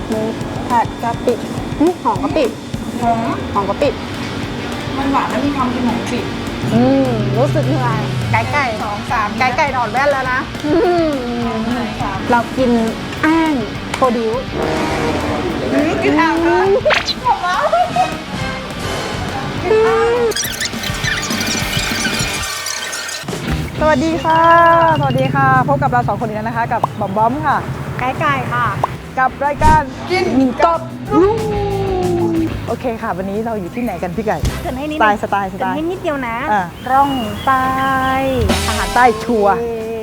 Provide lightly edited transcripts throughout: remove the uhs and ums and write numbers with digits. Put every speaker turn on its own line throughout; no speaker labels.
หมูผัดกะปิหอมกะปิหอมกะปิ
มันหวานแล้วมีความกินของกะปิ
รู้สึกเหนื่อยไก่
2 3
ไก่ถอดแว่นแล้วนะเรากินแอ้งโคดิว
กินอ่างเลยหอมแล้วสวัสดีค่ะพบกับเรา2 คนอีกแล้วนะคะกับบอมบอมค่ะ
ไก่ค่ะ
กับรายการกินกบโอเคค่ะวันนี้เราอยู่ที่ไหนกันพี่ไก่
เกินให้นิด
สไตล์
ให้นิดเดียวนะ
ร่องใต้อาหารใต้ชัว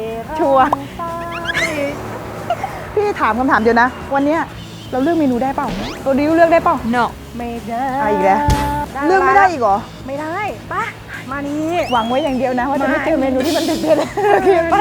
พี่ถามคำถามเดียวนะวันนี้เราเลือกเมนูได้เปล่าตัวดิวเลือกได้เปล่า
no ไม่ได้
อีกแล้วเลือกไม่ได้อีกเหรอ
ไม่ได้ป่ะมานี่
หวังไว้อย่างเดียวนะว่าจะไม่เจอเมนูที่มันเด็ดๆโอเคไป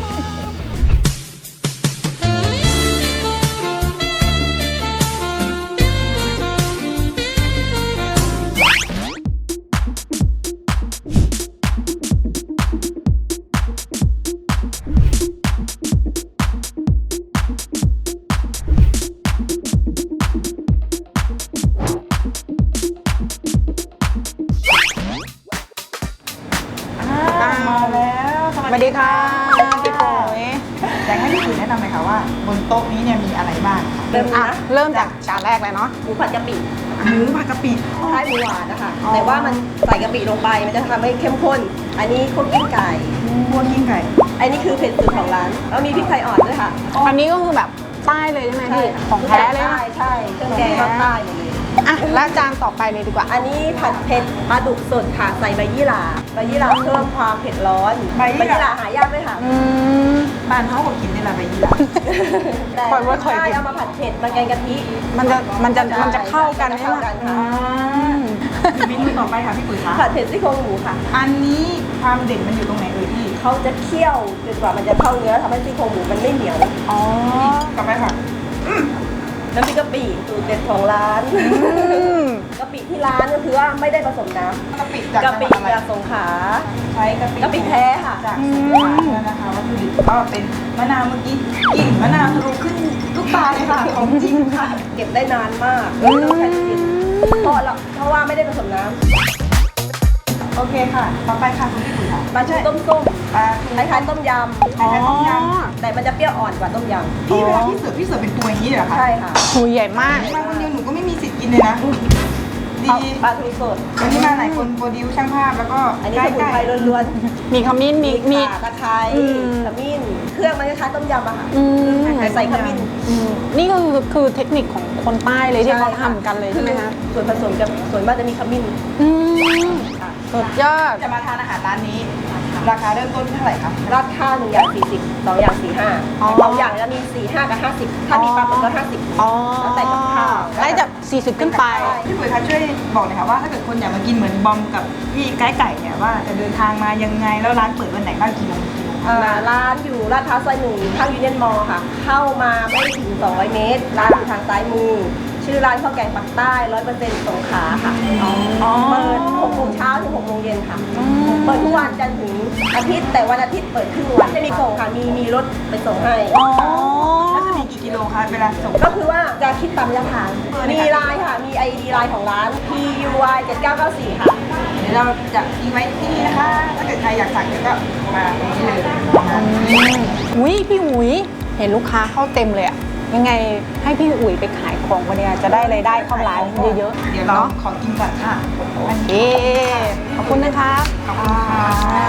สวัสดีค่ะพี่ปุ๋ย
อยากให้พี่ปุ๋ยแนะนำหน่อยค่ะว่าบนโต๊ะนี้เนี่ยมีอะไรบ้าง
เริ่มจากจานแรกเลยเนาะ
หมูผัดกะปิ
หมูผัดกะปิ
ใช่หมูหวานนะคะแต่ว่ามันใส่กะปิลงไปมันจะทำให้เข้มข้นอันนี้คั่วกิ้งไก่อันนี้คือเผ็ดสุดของร้านแล้วมีพริกไทยอ่อนด้วยค่ะ
อันนี้ก็คือแบบใต้เลยใช่ไหมพี่ของแท้เลย
ใช่เครื่องแกงภาคใต้เลย
แล้วจานต่อไปเลยดีกว่า
อันนี้ผัดเผ็ดปลาดุกสดค่ะใส่ใบยี่หร่าเพิ่มความเผ็ดร้อนใบยี่หร่าหายากด้วยค่ะ
บ้านเขาก็กินนี่แหละใบยี่หร่า
ใช่เอามาผัดเผ็ดมันแกงกะทิ
มันจะเข้ากันใช่ไหม
เมนูต่อไปค่ะพี่ปุ๋ยคะ
ผัดเผ็ดซี่โครงหมูค่ะ
อันนี้ความเด่นมันอยู่ตรงไหนเอ่ยพี่
เขาจะเคี่ยวจนกว่ามันจะเข้าเนื้อทำให้ซี่โครงหมูมันไม่เหนียว
กลับไปค่ะ
น้ำพริกกะปิสูตรเด็ดของร้านกะปิที่ร้านก็คือว่าไม่ได้ผสมน้ำ
กะปิ
จากสงขลา
ใช้กะปิ
แท้ค่ะ
จากสงขลาแล้วนะคะวัตถุดิบก็เป็นมะนาวเมื่อกี้กลิ่นมะนาวทะลุขึ้นทุกตาเลยค่ะของจริงค่ะ
เก็บได้นานมากไม่ต้องใช้กินเพราะว่าไม่ได้ผสมน้
ำโอเคค่ะต่อไปค่ะคุณพี่ปุ๋ยค่ะ
ปลาชูต้มคล้ายๆต้มยำแต่มันจะเปรี้ยวอ่อนกว่าต้มยำ
พี่เวลาพี่เสิร์ฟเป็นตัวอย่างนี้เหรอคะ
ใช่ค่ะ
หูใหญ่มาก
มาคนเดียวหนูก็ไม่มีสิทธิ์กินเลยนะ
ดีปลาทูสด
วันนี้มาหลายคนโปรดิวช่างภาพแล้วก็
อันนี้สมุนไพรล้วน
ๆมีขมิ้นมี
ตะไคร้ขมิ้นเครื่องมันคล้ายๆต้มยำอะค่ะแต่ใส่ขมิ้น
นี่คือเทคนิคของคนใต้เลยที่เขาทำกันเลยใช่ไหมคะ
ส่วนผสมกับส่วนมากจะมีขมิ้น
สุดยอด
จะมาทานอาหารร้านนี้ราคาเริ่มต้นเท่าไหร่คะ
ราคา1 อย่าง40 2 อย่าง45 2 อย่างแล้วมี45 กับ50ถ้ามีปลาหมึกก็50แล้วแต่กับข้าว
ได้จาก40ขึ้นไป
พี่ปุ๋ยคะช่วยบอกหน่อยค่ะว่าถ้าเกิดคนอยากมากินเหมือนบอมกับพี่ไก่เนี่ยว่าจะเดินทางมายังไงแล้วร้านเปิดวันไหนบ้างกี่โมง
ร้านอยู่ลาดพร้าวซอย1ข้างยูเนียนมอลล์ค่ะเข้ามาไม่ถึง200 เมตรร้านอยู่ทางซ้ายมือชื่อร้านข้าวแกงปักใต้ 100% สงขลาค่ะเปิด6 โมงเช้าถึง6 โมงเย็นค่ะเปิดทุกวันจันทร์ถึงอาทิตย์แต่วันอาทิตย์เปิดครึ่งวันจะมีส่งค่ะมีรถไปส่งให้
แล้วจะมีกี่กิโลคะเวลาส่ง
ก็คือว่าจะคิดตามระยะทางมีไลน์ค่ะมี ID ไลน์ของร้าน PUY 7994ค่ะ
เดี๋ยวเราจะทิ้งไว้ที่นี่นะคะถ้าเกิดใครอยากสั่งเดี๋ยวก็มาตรงนี้เลย
พี่อุ๋ยเห็นลูกค้าเข้าเต็มเลยอะยังไงให้พี่อุ๋ยไปขายของวันนี้จะได้รายได้เข้าร้านเยอะ
ๆเดี๋ยวเราขอกินก่อนค่ะ
โอเคขอบคุณนะคะ
ขอบคุณค่ะ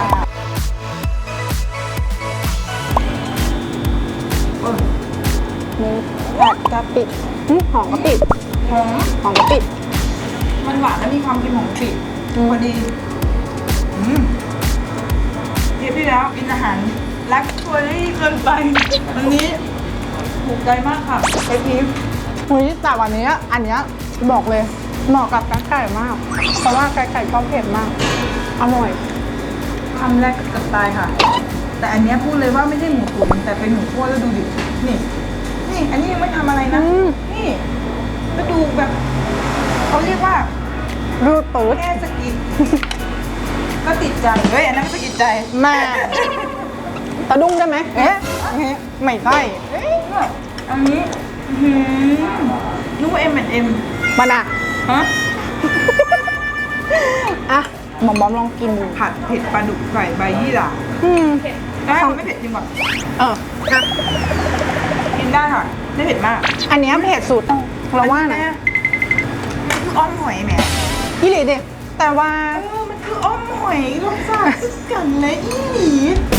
หมูผัดกะปิหอมกะปิหอมกะปิ
มันหวานแล้วมีความกินของกะปิพอดีเดี๋ยวพี่แล้วกินอาหารรักช่วยเกินไปวันนี้ถูกใจมากค่ะไอพี
แต่วันนี้อันนี้บอกเลยเหมาะกับไก่มากเพราะว่าไก่ชอบเผ็ดมากอร่อย
คำแรกกับตายค่ะแต่อันนี้พูดเลยว่าไม่ใช่หมูตุ๋นแต่เป็นหมูคั่วแล้วดูดินี่อันนี้ยังไม่ทำอะไรนะนี่ก็ดูแบบเขาเรียกว่า
รูดปื๊ด
แค่สกิดก็ติดใจเฮ้ยอันนั้นไม่สกิดใจ
แม่ตะดุ้งได้ไหมไม่ใช่
อันนี้อ็ม
มันอ่ะ
ฮะ
อ่ะหมอมบอมลองกินดู
ผัดเผ็ดปลาดุกใส่ใบยี่หร่า
อืม
ได้ไม่เผ็ดจริงก่อน
เอออ่ะ
กินได้ค่ะไม่เผ็ดมาก
อันเนี้ยเผ็ดสุดเราว่านะ
มันคืออ้อมหอยแหม
ยี่หลีดิแต่ว่า
มันคืออ้อมหอยรสชาติคือกันเลยอีหลี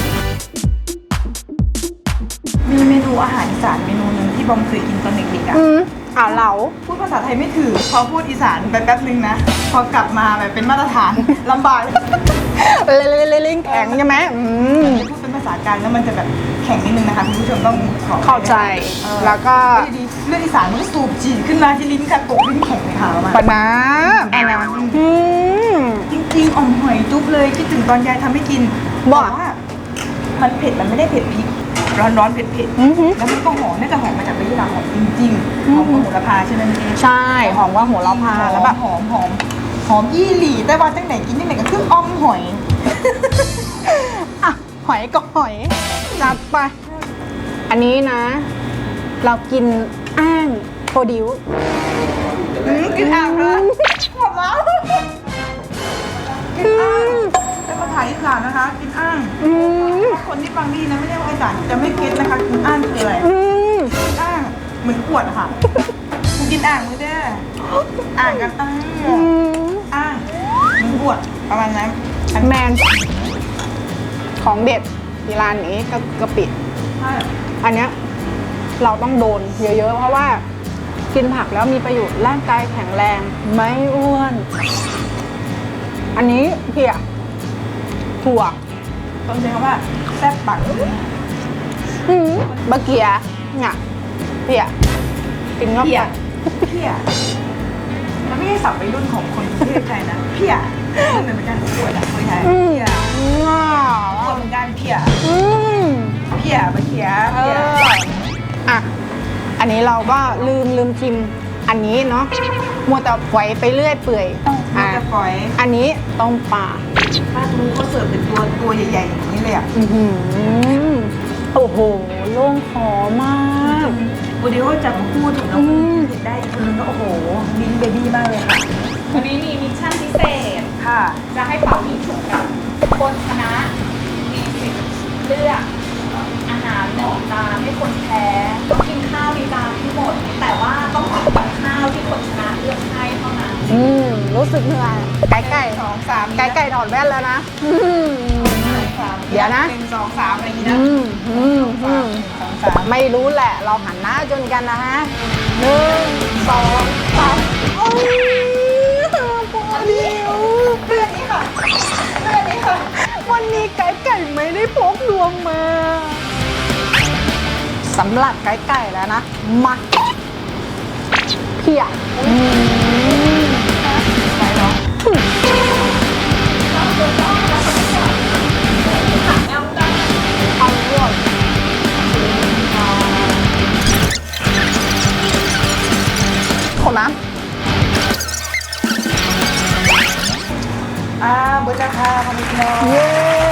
มีเมนูอาหารอีสานเมนูหนึ่งที่บอมเคยกินตอนเด็กๆอ่ะ
เหลา
พูดภาษาไทยไม่ถือพอพูดอีสานไปแป๊บนึงนะ พอกลับมาแบบเป็นมาตรฐาน ลำบาก
ลิ้นแข็งใช่ไหม
พูดเป็นภาษากลางแล้วมันจะแบบแข็งนิดนึงนะคะคุณผู้ชมต้องขอ
เข้าใจ แล้วก็
ดีๆเรื่องอีสานมันก็สูบจีดขึ้นมาที่ลิ้นค่ะตกลิ้นแข็งเลยค่ะประมาณ
ปะนะ
จริงๆอ่อมหอยจุ๊บเลยคิดถึงตอนยายทำให้กิน
บอก
แต่ว่ามันเผ็ดมันไม่ได้เผ็ดพริกร้อนๆเผ็ดๆแล้วมันก็หอมน่าจะหอมมาจากใบยี่หร่าหอมจริงๆหอมของโหระพาใช่ไหมพี่
ใช่หอมว่าหัวเราพาแล้วแบบ
หอมยี่หลี่แต่ว่าจังไหนกินจังไหนก็คืออ้อมหอย
อ่ะหอยก็หอยจัดไป อันนี้นะ เรากินอ้างโปรดิว
กินอ่างเลยหมดแล้วกินอ่างเป็นภาษาอีสานนะคะ กินอ่างคนที่ฟังดีนะไม่ได้ว่าอีสานจะไม่เก็ตนะคะกินอ่างคืออะไรกินอ่างเหมือนขวดอะค่ะกูกินอ่างมือเด้ออ่างกันอ่างเหมือนขวดประมาณนั้น
แมนของเด็ดที่ร้านนี้ก็กะปิ
ใช่
อันเนี้ยเราต้องโดนเยอะๆ เพราะว่ากินผักแล้วมีประโยชน์ร่างกายแข็งแรงไม่อ้วน อันนี้เพียถั่ว
ต้องใช้คำว่าแซ่บปัก
บะเกียเนี่ยเพียกินเข้า
เพี
ไป
ยเพียมันไม่ใช่ศัพท์วัยรุ่นของคนกรุงเทพไทยนะเพียมันเหมือนกันขวดอะคนไทยเพียขวดเหมือนกันเพียเพียบะเขียเพีย
อ่ะอันนี้เราก็ลืมชิมอันนี้เนาะมัวแต่ปล่อยไปเรื่อยเปื่อย
มันจะฝอย
อันนี้ต้มปลา
ถ้าดูเขาเสิร์ฟเป็นตัวใหญ่ๆอย่างนี้เลยอ่ะ
โอ้โหโล่งคอมาก
วันนี้เขาจับมาพูดถึงเราเห็นได้อีกคนนึงก็โอ้โหลิ้นเบบี้มากเลยค่ะ
วันนี้มีมิชชั่นพิเศษ
ค่ะ
จะให้เป่ายิงฉุบกันคนชนะมีสิทธิ์เลือกอาหารหนึ่งจานให้คนแพ้ต้องกินข้าวในจานทั้งหมด แต่ว่าต้องกินกับข้าวที่คนชนะเลือกให้เท่านั้น
รู้สึกเหนื่อยไก่
2 3
ไก่ถอดแว่นแล้วนะ เดี๋ยวนะ
1 2 3อะไรอย่างนี้นะ2 3
ไม่รู้แหละ เราหันหน้าจนกันนะฮะ1 2 3โอ้ยพอเดียว
เรื่องนี้ค่ะเรื่องนี้ค่ะ
วันนี้ไก่ไม่ได้พกดวงมาสำหรับไก่แล้วนะ มาเพีย
ไปเนาะ
เอาด้วยขอน้ำ
เบอร์จ้าค่ะพ่อแม่พี่น้อง
เย้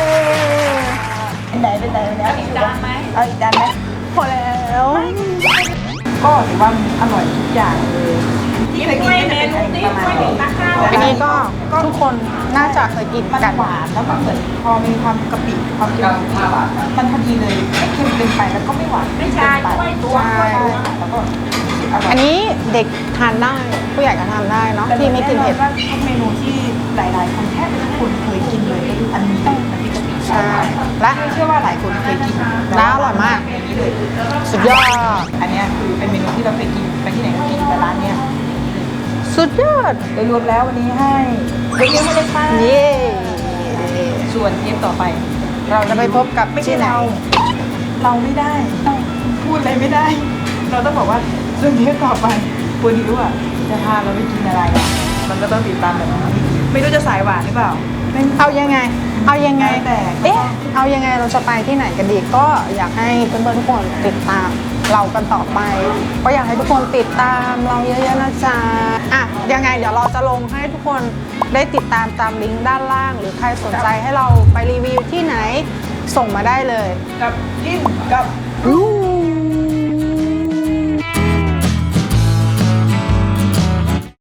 เป็นไหน
อีกจานไหม
เอาอีกจานไหม
พอแล้ว
ก็ถือว่ามันอร่อยทุกอย่างเลยที่เคยกิน
เม
ก็จะเป็น
นู
อัน
ที่
นี้ประมาณ
ไม่ถึ
นี้
งนักข้าว
อันนี้ก็ทุกคนน่าจะเคยกิน
มัน
กัน
หวานแล้วมันเหมือนพอมีความกะปิความเค็มมันพอดีเลยไม่เค็มเกินไปแล้วก็ไม่หวาน
ไม่ใช่
เกินไป
ด้วยตัว
ใช่แล้วก็อร่อย
อันนี้เด็กทานได้ผู้ใหญ่ก็ทานได้เนาะที่ไม่กินเผ็ด
แต่แว่าทุกเมนูที่หลายๆคนแทบจะทุกคนเคยกินเลยก็คืออันนี้น้ำพริกกะปิ
ใช่และ
เชื่อว่าหลายคนเคยกิน
แล้วอร่อยมาก
อย่างนี้เลย
สุดยอด
อันเนี้ยคือเป็นเมนูที่เราเคยกินไปที่ไหนก็กินแต่ร้านเนี้ย
สุดยอด
โดยรวมแล้ววันนี้ให้เยอะๆให้เลยค่ะ
เย้
ส่วนเทปต่อไป
เราจะไปพบกับ
ไม่ใช่
ที่ไหน
เราไม่ได้ พูดอะไรไม่ได้ เราต้องบอกว่าส่วนเทปต่อไปโปรดิวอ่ะจะพาเราไปกินอะไรอ่ะมันก็ต้องติดตามแบบนี้ไม่รู้จะสายหวานหรือเปล่า
เอายังไง เอายังไง
แล้วแต่
เอ๊ะ เอายังไงเราจะไปที่ไหนกันดีก็อยากให้เพื่อนๆทุกคนติดตามเรากันต่อไป ก็อยากให้ทุกคนติดตามเราเยอะๆนะจ๊ะอ่ะยังไงเดี๋ยวเราจะลงให้ทุกคนได้ติดตามตามลิงก์ด้านล่าง หรือใครสนใจให้เราไปรีวิวที่ไหนส่งมาได้เลย
กับกินกับ
รู้